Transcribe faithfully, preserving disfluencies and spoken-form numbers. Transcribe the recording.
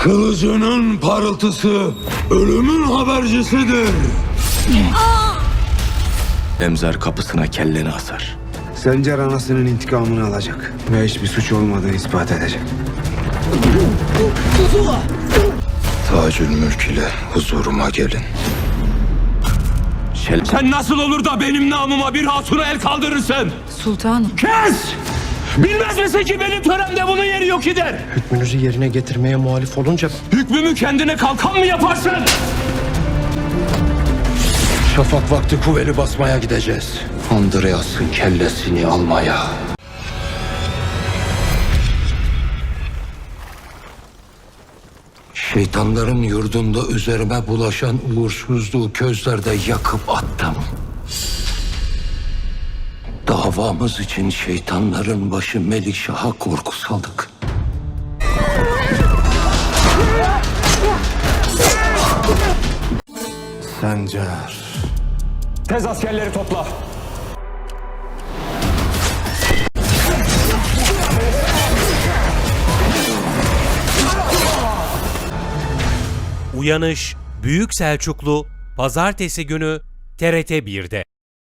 Kılıcının parıltısı ölümün habercisidir. Emzar kapısına kelleni asar. Sencer anasının intikamını alacak ve hiçbir suç olmadığını ispat edecek. Tacül Mülk ile huzuruma gelin. Şel Sen nasıl olur da benim namıma bir hatuna el kaldırırsın? Sultanım. Kes! Bilmez misin ki benim töremde bunun yeri yok gider? Hükmünüzü yerine getirmeye muhalif olunca Hükmümü kendine kalkan mı yaparsın? şafak vakti kuvveli basmaya gideceğiz. Andreas'ın kellesini almaya. Şeytanların yurdunda üzerime bulaşan uğursuzluğu közlerde yakıp attım. Davamız için şeytanların başı Melikşah'a korku saldık. Sencer. Tez askerleri topla. Uyanış Büyük Selçuklu Pazartesi günü T R T bir'de.